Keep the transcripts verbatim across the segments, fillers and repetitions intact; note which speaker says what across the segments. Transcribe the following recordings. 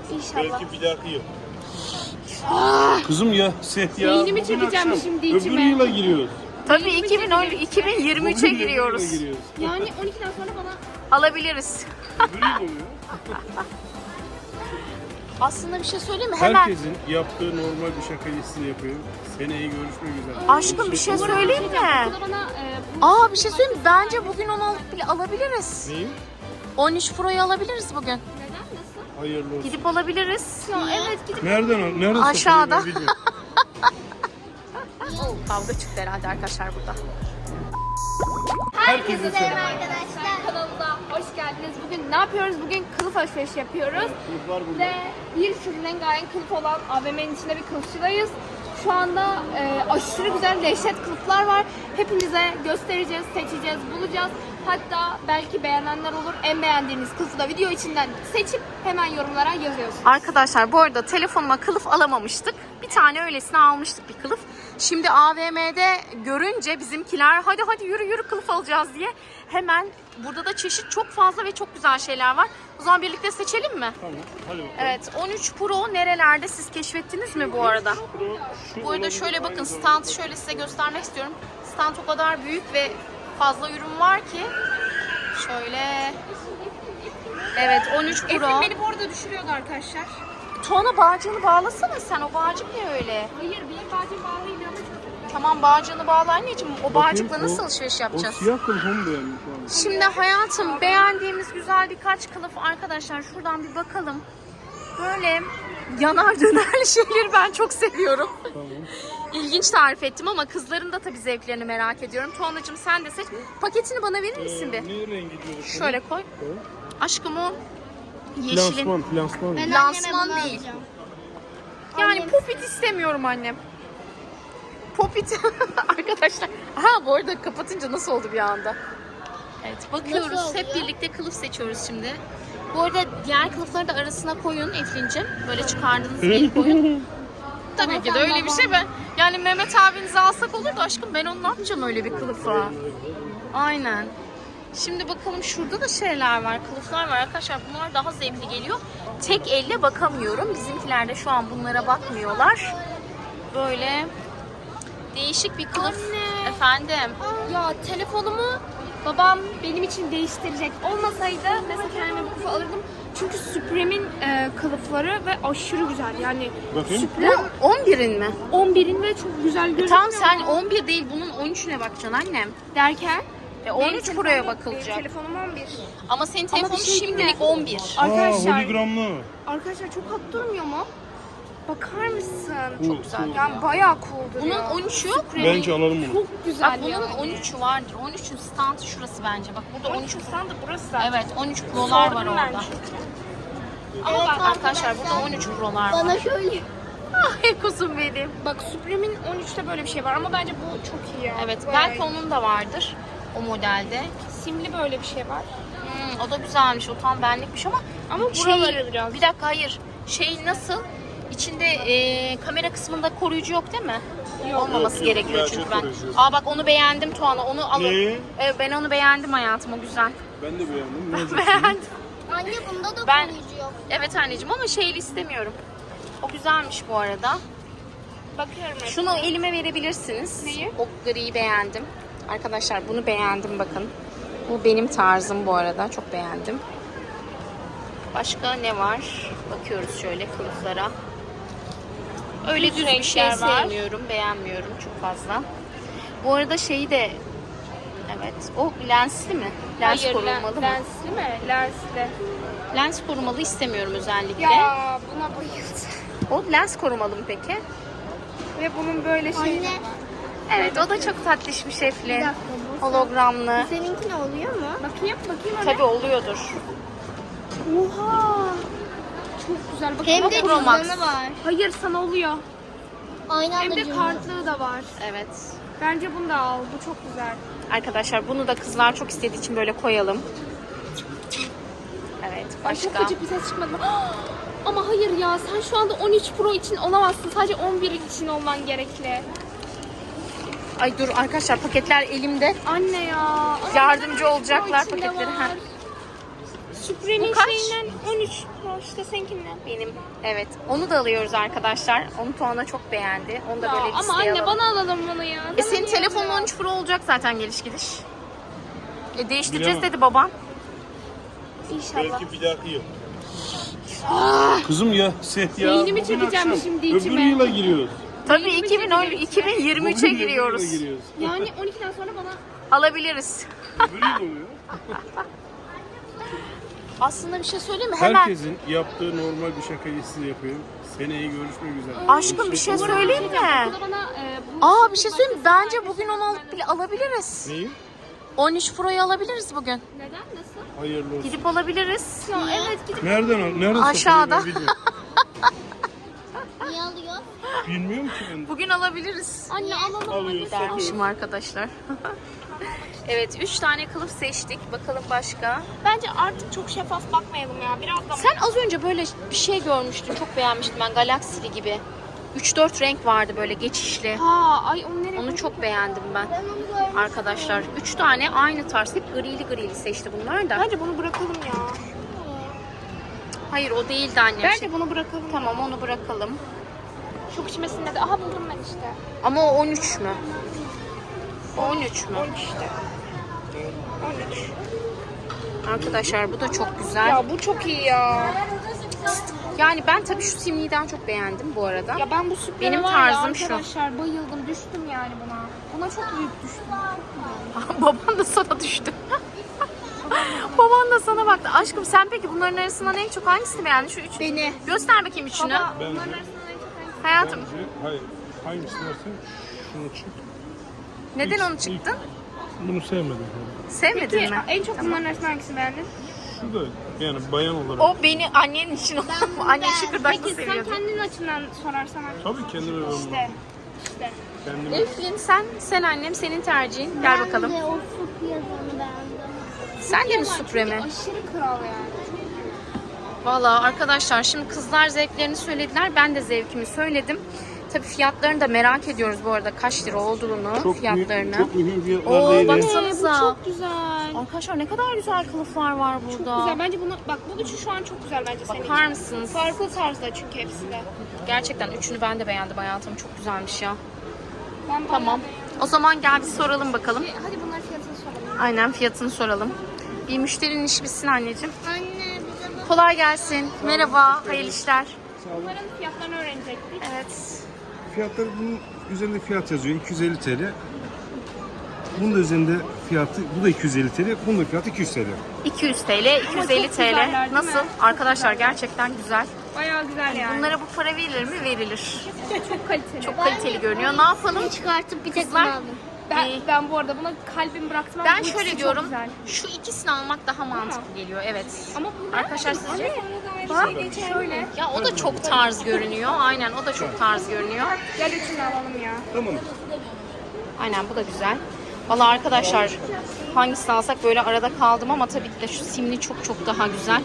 Speaker 1: İnşallah.
Speaker 2: Belki bir dahaki yıl.
Speaker 1: Aa,
Speaker 2: Kızım ya sen ya.
Speaker 1: Beynimi
Speaker 2: bugün
Speaker 1: çekeceğim
Speaker 2: akşam
Speaker 1: şimdi
Speaker 2: öbür
Speaker 1: içime.
Speaker 2: yıla giriyoruz.
Speaker 3: Tabii iki bin on, iki bin yirmi üçe
Speaker 2: Bugün öbür yıla
Speaker 3: giriyoruz.
Speaker 2: giriyoruz.
Speaker 1: yani on ikiden sonra bana
Speaker 3: Alabiliriz.
Speaker 2: Öbür yıl oluyor.
Speaker 3: Aslında bir şey söyleyeyim mi? Hemen.
Speaker 2: Herkesin yaptığı normal bir şaka listesini yapıyor. Seneye görüşmek üzere.
Speaker 3: Aşkım bir şey söyleyeyim mi?
Speaker 1: okulda bana e, bu-
Speaker 3: Aa bir şey söyleyeyim mi? Bence bugün onu alıp bile alabiliriz.
Speaker 2: Neyi?
Speaker 3: on üç Pro'yu alabiliriz bugün.
Speaker 1: Neden? Nasıl?
Speaker 2: Hayırlı olsun.
Speaker 3: Gidip alabiliriz.
Speaker 1: Ya evet gidip
Speaker 2: Nereden al? Nereden
Speaker 3: Aşağıda.
Speaker 2: satılıyor ben bilmiyorum.
Speaker 3: Kavga çıktı herhalde arkadaşlar burada.
Speaker 1: Herkese selam arkadaşlar. Kanalımıza hoş geldiniz. Bugün ne yapıyoruz? Bugün kılıf alışverişi yapıyoruz.
Speaker 2: Kılıflar burada.
Speaker 1: Ve bir sürü rengarenk kılıf olan A V M'nin içinde bir kılıfçıdayız. Şu anda e, aşırı güzel dehşet kılıflar var. Hepinize göstereceğiz, seçeceğiz, bulacağız. Hatta belki beğenenler olur. En beğendiğiniz kılıfı da video içinden seçip hemen yorumlara yazıyorsunuz.
Speaker 3: Arkadaşlar bu arada telefonuma kılıf alamamıştık. Bir tane öylesine almıştık bir kılıf. Şimdi A V M'de görünce bizimkiler hadi hadi yürü yürü kılıf alacağız diye hemen burada da çeşit çok fazla ve çok güzel şeyler var. O zaman birlikte seçelim mi?
Speaker 2: Tamam. Hadi bakalım.
Speaker 3: Evet on üç Pro nerelerde siz keşfettiniz mi bu arada?
Speaker 2: Pro, şu
Speaker 3: Bu arada
Speaker 2: olabilir,
Speaker 3: şöyle bakın
Speaker 2: aynı
Speaker 3: stand şöyle size göstermek istiyorum. Stand o kadar büyük ve fazla ürün var ki. Şöyle. Evet on üç Pro.
Speaker 1: Efendim beni bu arada düşürüyordu arkadaşlar.
Speaker 3: Tuana bağcığını bağlasana sen. O bağcık ne öyle?
Speaker 1: Hayır benim bacım bağlıydı ama çok
Speaker 3: Tamam bağcığını bağla anneciğim. O bağcıkla
Speaker 2: Bakayım,
Speaker 3: nasıl
Speaker 2: o-
Speaker 3: alışveriş
Speaker 2: O
Speaker 3: yapacağız?
Speaker 2: siyah kılıfı mı beğendin şu an?
Speaker 3: Şimdi hayatım beğendiğimiz güzel birkaç kılıf arkadaşlar şuradan bir bakalım. Böyle yanar döner şeyleri ben çok seviyorum.
Speaker 2: Tamam.
Speaker 3: İlginç tarif ettim ama kızların da tabii zevklerini merak ediyorum. Tuanacığım sen de seç. Paketini bana verir misin
Speaker 2: Ee,
Speaker 3: bir?
Speaker 2: ne rengi diyoruz?
Speaker 3: Şöyle koy.
Speaker 2: Tamam.
Speaker 3: Aşkım o yeşilin.
Speaker 2: Flansman, flansman.
Speaker 1: Ben
Speaker 3: Lansman
Speaker 1: anneme bunu
Speaker 3: değil.
Speaker 1: alacağım.
Speaker 3: Yani
Speaker 1: Annem-
Speaker 3: popit istemiyorum annem. Popit arkadaşlar. Ha bu arada kapatınca nasıl oldu bir anda? Evet bakıyoruz.
Speaker 1: Nasıl
Speaker 3: Hep
Speaker 1: oluyor?
Speaker 3: birlikte kılıf seçiyoruz şimdi. Bu arada diğer kılıfları da arasına koyun Eflin'cim. Böyle çıkardığınız yeri koyun. Tabii ki de öyle bir şey ben. Yani Mehmet abinizi alsak olur da aşkım ben onu ne yapacağım öyle bir kılıfa? Aynen. Şimdi bakalım şurada da şeyler var, kılıflar var arkadaşlar. Bunlar daha zevkli geliyor. Tek elle bakamıyorum. Bizimkiler de şu an bunlara bakmıyorlar. Böyle değişik bir kılıf.
Speaker 1: Anne.
Speaker 3: Efendim.
Speaker 1: Ya telefonumu babam benim için değiştirecek. Olmasaydı mesela kendime bir kılıf alırdım. Çünkü Supreme'in e, kılıfları ve aşırı güzel. Yani
Speaker 2: Bakayım.
Speaker 1: Supreme
Speaker 3: Bu on birin mi?
Speaker 1: on birin ve çok güzel gözüküyor.
Speaker 3: Tamam sen on bir değil bunun on üçüne bakacaksın annem.
Speaker 1: derken
Speaker 3: E on üç
Speaker 1: benim
Speaker 3: Pro'ya
Speaker 1: telefonum-
Speaker 3: bakılacak.
Speaker 1: Benim telefonum on bir.
Speaker 3: Ama senin
Speaker 1: Ama
Speaker 3: telefonun
Speaker 1: bir şey değil mi?
Speaker 3: şimdilik on bir.
Speaker 2: Aa,
Speaker 1: Arkadaşlar,
Speaker 2: holigramlı.
Speaker 1: arkadaşlar çok hot durmuyor mu? Bakar mısın?
Speaker 2: Çok
Speaker 3: güzel.
Speaker 1: Yani bayağı cool
Speaker 3: Bunun
Speaker 1: duruyor.
Speaker 3: on üçü
Speaker 2: Bence alalım bunu.
Speaker 1: çok güzel
Speaker 3: Bak bunun
Speaker 1: yani.
Speaker 3: on üçü vardır. on üçün standı şurası bence. Bak burada on üç.
Speaker 1: sandı burası.
Speaker 3: Evet on üç Pro'lar var
Speaker 1: Sordum ben
Speaker 3: orada.
Speaker 1: çünkü.
Speaker 3: Ama bak arkadaşlar burada on üç Pro'lar var.
Speaker 1: Bana şöyle.
Speaker 3: Ay kuzum benim.
Speaker 1: Bak Supreme'in on üçte böyle bir şey var ama bence bu çok iyi ya.
Speaker 3: Evet
Speaker 1: Bayağı
Speaker 3: belki onun da vardır o modelde.
Speaker 1: iyi. simli böyle bir şey var.
Speaker 3: Hmm, o da güzelmiş. O tam benlikmiş ama
Speaker 1: Ama
Speaker 3: şey,
Speaker 1: buraları biraz.
Speaker 3: bir dakika hayır. Şey nasıl? İçinde e, kamera kısmında koruyucu yok değil mi?
Speaker 1: Yok.
Speaker 3: Olmaması
Speaker 2: Yok, yok,
Speaker 3: gerekiyor
Speaker 2: gerçek
Speaker 3: çünkü ben.
Speaker 2: koruyucu.
Speaker 3: Aa bak onu beğendim Tuana. Onu alın.
Speaker 2: Ne?
Speaker 3: Evet, ben onu beğendim hayatım. O güzel.
Speaker 2: Ben de beğendim. Ne olacak?
Speaker 3: Beğendim.
Speaker 1: Anne bunda da
Speaker 3: Ben-
Speaker 1: koruyucu yok.
Speaker 3: Evet anneciğim ama şeyli istemiyorum. O güzelmiş bu arada.
Speaker 1: Bakıyorum hep.
Speaker 3: Şunu elime verebilirsiniz.
Speaker 1: Neyi?
Speaker 3: O griyi beğendim. Arkadaşlar bunu beğendim bakın. Bu benim tarzım bu arada. Çok beğendim. Başka ne var? Bakıyoruz şöyle kılıflara. Öyle
Speaker 1: Düz
Speaker 3: düz bir şey
Speaker 1: renkler var.
Speaker 3: sevmiyorum. Beğenmiyorum çok fazla. Bu arada şeyi de evet. O lensli mi? Lens
Speaker 1: Hayır,
Speaker 3: korumalı mı?
Speaker 1: lensli mi? Lensli.
Speaker 3: Lens korumalı istemiyorum özellikle.
Speaker 1: Ya buna bayıldım.
Speaker 3: O lens korumalı mı peki?
Speaker 1: Ve bunun böyle şeyi
Speaker 4: Anne.
Speaker 1: var.
Speaker 3: Evet o da çok tatlış bir şefli.
Speaker 4: Bir dakika, bu
Speaker 3: Hologramlı.
Speaker 4: Seninki ne oluyor mu?
Speaker 1: Bakayım, bakayım anne.
Speaker 3: Tabii oluyordur.
Speaker 1: Oha. Çok güzel. Bakın
Speaker 4: Hem
Speaker 1: bak-
Speaker 4: de
Speaker 3: Pro Max.
Speaker 4: cüzdanı var.
Speaker 1: Hayır sana oluyor.
Speaker 4: Aynı
Speaker 1: Hem
Speaker 4: anda
Speaker 1: de
Speaker 4: cüzdanı.
Speaker 1: kartlığı da var.
Speaker 3: Evet.
Speaker 1: Bence bunu da al. Bu çok güzel.
Speaker 3: Arkadaşlar bunu da kızlar çok istediği için böyle koyalım. Evet
Speaker 1: Ay, çok
Speaker 3: başka.
Speaker 1: gıcık bir ses çıkmadı. Ama hayır ya sen şu anda on üç Pro için olamazsın. Sadece on bir için olman gerekli.
Speaker 3: Ay dur arkadaşlar paketler elimde.
Speaker 1: Anne ya. Ama
Speaker 3: Yardımcı
Speaker 1: neden
Speaker 3: olacaklar
Speaker 1: Pro içinde
Speaker 3: paketleri,
Speaker 1: var?
Speaker 3: ha.
Speaker 1: Supreme'in
Speaker 3: Bu kaç?
Speaker 1: şeyinden on üç Pro işte seninkinden.
Speaker 3: Benim. Evet. Onu da alıyoruz arkadaşlar. Onu Tuana çok beğendi. Onu da
Speaker 1: Ya,
Speaker 3: böyle
Speaker 1: ama
Speaker 3: listeye
Speaker 1: anne
Speaker 3: alalım.
Speaker 1: bana alalım bunu ya.
Speaker 3: E
Speaker 1: Bana
Speaker 3: senin
Speaker 1: niye
Speaker 3: telefonun
Speaker 1: alıyor?
Speaker 3: on üç Pro olacak zaten geliş gidiş. E değiştireceğiz
Speaker 2: Bilemem.
Speaker 3: dedi baban.
Speaker 1: İnşallah.
Speaker 2: Belki bir dahaki yıl. Kızım ya sen ya.
Speaker 1: Beynimi
Speaker 2: bugün
Speaker 1: çekeceğim
Speaker 2: akşam
Speaker 1: şimdi
Speaker 2: Öbür
Speaker 1: içime.
Speaker 2: yıla giriyoruz.
Speaker 3: Tabii
Speaker 1: Beynimi
Speaker 3: iki bin on
Speaker 1: çekeceğim
Speaker 3: iki bin yirmi üçe
Speaker 2: Bugün öbür
Speaker 3: giriyoruz.
Speaker 2: yıla giriyoruz.
Speaker 1: Yani on ikiden sonra bana
Speaker 3: Alabiliriz.
Speaker 2: Öbür yıl oluyor.
Speaker 3: Aslında bir şey söyleyeyim mi? Hemen.
Speaker 2: Herkesin yaptığı normal bir şakayı size yapıyorum. Seneye görüşmek üzere.
Speaker 3: Aşkım bir şey söyleyeyim mi?
Speaker 1: okulda bana e, bu
Speaker 3: Aa
Speaker 1: şimdi
Speaker 3: bir şey söyleyeyim mi?
Speaker 1: başkası
Speaker 3: Bence bugün onu alıp bile alabiliriz.
Speaker 2: Neyi?
Speaker 3: on üç Pro'yu alabiliriz bugün.
Speaker 1: Neden? Nasıl?
Speaker 2: Hayırlı olsun.
Speaker 3: Gidip alabiliriz.
Speaker 1: Ya evet gidip
Speaker 2: Nereden al? Nereden
Speaker 3: Aşağıda.
Speaker 2: satılıyor ben bilmiyorum.
Speaker 4: Niye alıyor?
Speaker 2: Bilmiyorum ki ben.
Speaker 3: Bugün alabiliriz.
Speaker 1: anne alalım.
Speaker 2: Alıyoruz,
Speaker 3: Dermişim
Speaker 2: satıyoruz.
Speaker 3: arkadaşlar. Evet üç tane kılıf seçtik. Bakalım başka.
Speaker 1: Bence artık çok şeffaf bakmayalım ya. Biraz da
Speaker 3: Sen az önce böyle bir şey görmüştün. Çok beğenmiştim ben. Galaksili gibi. üç dört renk vardı böyle geçişli.
Speaker 1: Ha ay onu nereye
Speaker 3: Onu çok beğendim ben.
Speaker 4: Ben onu görmüştüm.
Speaker 3: Arkadaşlar üç tane aynı tarz. Hep grili grili seçti bunlar da.
Speaker 1: Bence bunu bırakalım ya.
Speaker 3: Hayır o değildi annem.
Speaker 1: Bence bunu bırakalım.
Speaker 3: Tamam onu bırakalım.
Speaker 1: Çok içmesinde de. Aha buldum ben işte.
Speaker 3: Ama o on üç mü? O on üç mü?
Speaker 1: on üç işte. on üç.
Speaker 3: Arkadaşlar bu da çok güzel.
Speaker 1: Ya bu çok iyi ya.
Speaker 3: Yani ben tabii şu simliden çok beğendim bu arada.
Speaker 1: Ya ben bu süper
Speaker 3: Benim
Speaker 1: var
Speaker 3: tarzım
Speaker 1: ya,
Speaker 3: şu.
Speaker 1: arkadaşlar bayıldım. Düştüm yani buna. Buna çok büyük düştüm.
Speaker 3: Baban da sana düştü. Baban da sana baktı. Aşkım sen peki bunların arasından en çok hangisini beğendin? Şu üç.
Speaker 1: Beni.
Speaker 3: Göster bakayım üçünü.
Speaker 1: Baba
Speaker 2: Bence-
Speaker 1: bunların arasından en çok hangisi?
Speaker 3: Hayatım
Speaker 2: Bence, hayır. Hangisini versen şunu çık.
Speaker 3: neden onu çıktın?
Speaker 2: Bunu sevmedim.
Speaker 3: Sevmedin
Speaker 1: Peki
Speaker 3: mi?
Speaker 1: en çok bunların arasından hangisini beğendin?
Speaker 2: Şu da yani bayan olarak.
Speaker 3: O beni annenin için oldu. Annen şıkırdaklı
Speaker 1: Peki sen
Speaker 3: seviyordu.
Speaker 1: kendin açından sorarsan hangisi?
Speaker 2: Tabii kendime yorumlu.
Speaker 1: İşte. İşte.
Speaker 2: Kendime.
Speaker 3: Eflin sen, sen annem senin tercihin. Gel bakalım.
Speaker 4: Ben de o süt yazanı beğendim.
Speaker 3: Sen de mi Supreme?
Speaker 1: Aşırı kral yani.
Speaker 3: Valla arkadaşlar şimdi kızlar zevklerini söylediler. Ben de zevkimi söyledim. Tabii fiyatlarını da merak ediyoruz bu arada. Kaç lira olduğunu,
Speaker 2: Çok
Speaker 3: fiyatlarını.
Speaker 2: mühim, çok mühim fiyatlar
Speaker 3: Oo,
Speaker 2: değil.
Speaker 3: bak-
Speaker 2: ya.
Speaker 3: Baksanıza.
Speaker 1: Bu çok güzel.
Speaker 3: Arkadaşlar ne kadar güzel kılıflar var
Speaker 1: Çok
Speaker 3: burada.
Speaker 1: güzel. Bence bunu bak bu üçü şu an çok güzel bence senin için.
Speaker 3: Bakar mısınız?
Speaker 1: Farklı tarzda çünkü hepsi de.
Speaker 3: Gerçekten üçünü ben de beğendim hayatım. Çok güzelmiş ya.
Speaker 1: Ben bayağı
Speaker 3: Tamam.
Speaker 1: beğendim.
Speaker 3: O zaman gel bir soralım bakalım.
Speaker 1: Hadi bunların fiyatını soralım.
Speaker 3: Aynen fiyatını soralım. Bir müşterinin işi bitsin anneciğim.
Speaker 4: Anne bize bak.
Speaker 3: Kolay gelsin. Merhaba. Hayırlı işler.
Speaker 1: Bunların fiyatlarını öğrenecektik.
Speaker 3: Evet.
Speaker 5: Fiyatları bunun üzerinde fiyat yazıyor iki yüz elli TL. Bunun da üzerinde fiyatı, bu da iki yüz elli TL, bunun da fiyatı iki yüz TL.
Speaker 3: iki yüz TL, iki yüz elli
Speaker 1: çok güzeller,
Speaker 3: TL.
Speaker 1: değil
Speaker 3: Nasıl?
Speaker 1: mi?
Speaker 3: Arkadaşlar gerçekten güzel.
Speaker 1: Bayağı güzel yani.
Speaker 3: Bunlara bu para verilir mi? Verilir.
Speaker 1: çok kaliteli.
Speaker 3: Çok kaliteli görünüyor. Ne yapalım?
Speaker 4: Çıkartıp bir tek
Speaker 3: Kızlar-
Speaker 4: bunu aldım.
Speaker 1: Ben,
Speaker 3: İyi.
Speaker 1: ben bu arada buna kalbimi bıraktım ama
Speaker 3: Ben
Speaker 1: bu ikisi
Speaker 3: şöyle
Speaker 1: çok
Speaker 3: diyorum.
Speaker 1: güzel.
Speaker 3: Şu ikisini almak daha mantıklı geliyor. Evet.
Speaker 1: Ama bu
Speaker 3: Arkadaşlar sizce?
Speaker 1: Bak şöyle.
Speaker 3: Ya o da çok tarz görünüyor. Aynen o da çok tarz görünüyor.
Speaker 1: Gel üçünü alalım ya.
Speaker 5: Tamam.
Speaker 3: Aynen bu da güzel. Vallahi arkadaşlar hangisini alsak böyle arada kaldım ama tabii ki de şu simli çok çok daha güzel.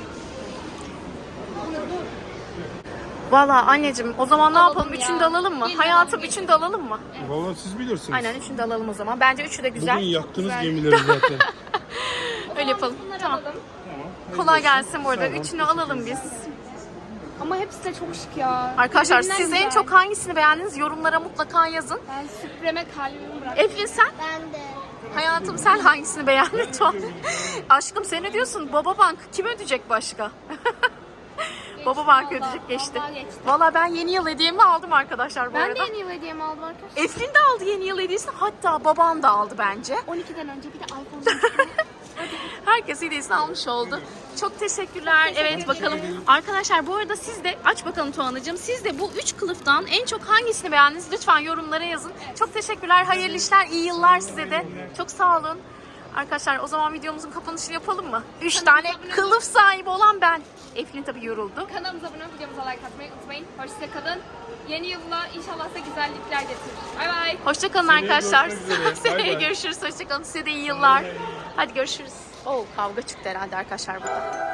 Speaker 3: Vallahi anneciğim o zaman ne
Speaker 1: Alalım
Speaker 3: yapalım?
Speaker 1: ya.
Speaker 3: Üçünü de alalım mı?
Speaker 1: Gelin
Speaker 3: Hayatım
Speaker 1: alalım,
Speaker 3: üçünü de alalım mı?
Speaker 2: Vallahi siz bilirsiniz.
Speaker 3: Aynen üçünü de alalım o zaman. Bence üçü de güzel.
Speaker 2: Bugün yaktınız gemileri zaten.
Speaker 3: Öyle yapalım.
Speaker 1: Bunları
Speaker 3: Tamam.
Speaker 1: alalım.
Speaker 3: Kolay gelsin bu arada. Üçünü alalım biz.
Speaker 1: Ama hepsi de çok şık ya.
Speaker 3: Arkadaşlar
Speaker 1: Birbirinden
Speaker 3: siz en
Speaker 1: güzel.
Speaker 3: çok hangisini beğendiniz? Yorumlara mutlaka yazın.
Speaker 1: Ben Supreme kalbimi bıraktım.
Speaker 3: Eflin sen?
Speaker 4: Ben de.
Speaker 3: Hayatım sen hangisini beğendin? Tuğan? Aşkım sen ne diyorsun? Baba Bank kim ödeyecek başka? Baba Bank
Speaker 1: vallahi,
Speaker 3: ödeyecek geçti.
Speaker 1: vallahi geçti.
Speaker 3: Valla ben yeni yıl hediyemi aldım arkadaşlar bu
Speaker 1: Ben
Speaker 3: arada.
Speaker 1: de yeni yıl hediyemi aldım arkadaşlar.
Speaker 3: Eflin de aldı yeni yıl hediyesini. Hatta babam da aldı bence.
Speaker 1: on ikiden önce bir de iPhone.
Speaker 3: Herkes hediyesini almış oldu. Çok teşekkürler. Evet bakalım. Arkadaşlar bu arada siz de aç bakalım Tuğan'cığım. Siz de bu üç kılıftan en çok hangisini beğendiniz? Lütfen yorumlara yazın. Çok teşekkürler. Hayırlı işler, iyi yıllar size de. Çok sağ olun. Arkadaşlar o zaman videomuzun kapanışını yapalım mı? Üç tane kılıf sahibi olan ben. Eflin tabii yoruldu.
Speaker 1: Kanalımıza abone olup videomuza like atmayı unutmayın. Hoşçakalın. Yeni yılla inşallah size güzellikler getirir. Bay bay.
Speaker 3: Hoşçakalın
Speaker 2: Seneye
Speaker 3: arkadaşlar.
Speaker 2: görüşmek üzere. Bay
Speaker 3: Seneye
Speaker 2: bay.
Speaker 3: görüşürüz. Hoşçakalın. Size de iyi yıllar. Hadi görüşürüz. Oo kavga çıktı herhalde arkadaşlar burada.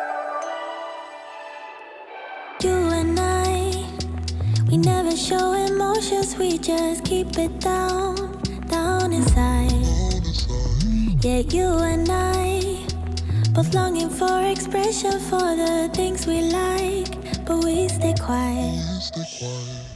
Speaker 6: You and I, we never show emotions, we just keep it down, down inside. Yeah, you and I, both longing for expression for the things we like, but we stay quiet.